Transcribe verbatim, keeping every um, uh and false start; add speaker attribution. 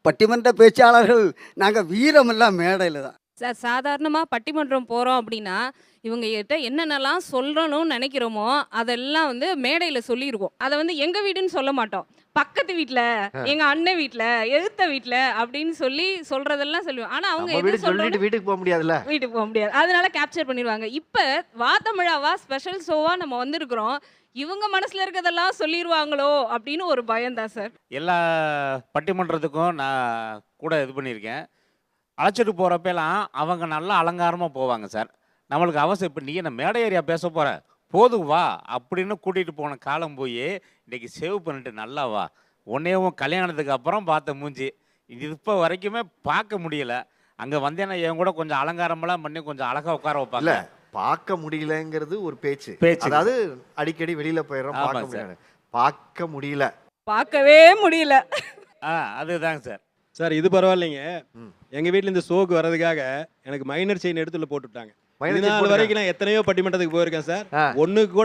Speaker 1: பட்டிமன்ற பேச்சாளர்கள் நாங்கள் வீரமெல்லாம் மேடையில் தான்.
Speaker 2: சார் சாதாரணமாக பட்டிமன்றம் போகிறோம் அப்படின்னா இவங்க கிட்ட என்னென்னலாம் சொல்லணும்னு நினைக்கிறோமோ அதெல்லாம் வந்து மேடையில் சொல்லிடுவோம். அதை வந்து எங்கள் வீடுன்னு சொல்ல மாட்டோம், பக்கத்து வீட்டில், எங்கள் அண்ணன் வீட்டில், எதிர்த்த வீட்டில் அப்படின்னு சொல்லி சொல்கிறதெல்லாம் சொல்லுவோம். ஆனால் அவங்க
Speaker 3: நம்ம
Speaker 2: எது
Speaker 3: வீடு
Speaker 2: சொல்றாங்க
Speaker 3: சொல்லிட்டு வீட்டுக்கு போக முடியாதுல்ல.
Speaker 2: வீட்டுக்கு போக முடியாது, அதனால கேப்சர் பண்ணிடுவாங்க. இப்போ வா தமிழாவா ஸ்பெஷல் ஷோவா நம்ம வந்திருக்கிறோம், இவங்க மனசுல இருக்கிறதெல்லாம் சொல்லிடுவாங்களோ அப்படின்னு ஒரு பயம்தான் சார்.
Speaker 4: எல்லா பட்டிமன்றத்துக்கும் நான் கூட இது பண்ணியிருக்கேன். அழைச்சிட்டு போகிறப்பெல்லாம் அவங்க நல்லா அலங்காரமாக போவாங்க சார். நம்மளுக்கு அவசியம் இப்போ நீ என்ன மேடை ஏரியா பேச போகிற போதும் வா அப்படின்னு கூட்டிகிட்டு போன காலம் போய் இன்றைக்கி சேவ் பண்ணிட்டு நல்லா வா, உன்னையும் கல்யாணத்துக்கு அப்புறம் பார்த்த மூஞ்சி இது இப்போ வரைக்குமே பார்க்க முடியல. அங்கே வந்தேன்னா என் கூட கொஞ்சம் அலங்காரமெல்லாம் பண்ணி கொஞ்சம் அழகாக உட்கார வைப்பாங்க.
Speaker 3: பார்க்க முடியலங்கிறது ஒரு பேச்சு
Speaker 4: பேச்சு.
Speaker 3: அதாவது அடிக்கடி வெளியில போயிடுறோம்,
Speaker 4: ஆமாம்
Speaker 3: பார்க்க
Speaker 4: சார்.
Speaker 3: முடியல. பார்க்க முடியல
Speaker 2: பார்க்கவே முடியல.
Speaker 4: ஆ அதுதாங்க சார்.
Speaker 5: சார் இது பரவாயில்லைங்க.
Speaker 3: ம்.
Speaker 5: எங்க வீட்ல இந்த ஷோக்கு வர்றதுக்காக எனக்கு மைனர் செயின் எடுத்துல போட்டு விட்டாங்க.
Speaker 3: மைனர்
Speaker 5: இது
Speaker 3: செயின்
Speaker 5: நாள்
Speaker 3: போட்டுட்டாங்க.
Speaker 5: வரைக்கும் நான் எத்தனையோ பட்டிமன்றத்துக்கு போயிருக்கேன் சார்.
Speaker 3: ஆ.
Speaker 5: ஒண்ணுக்கு கூட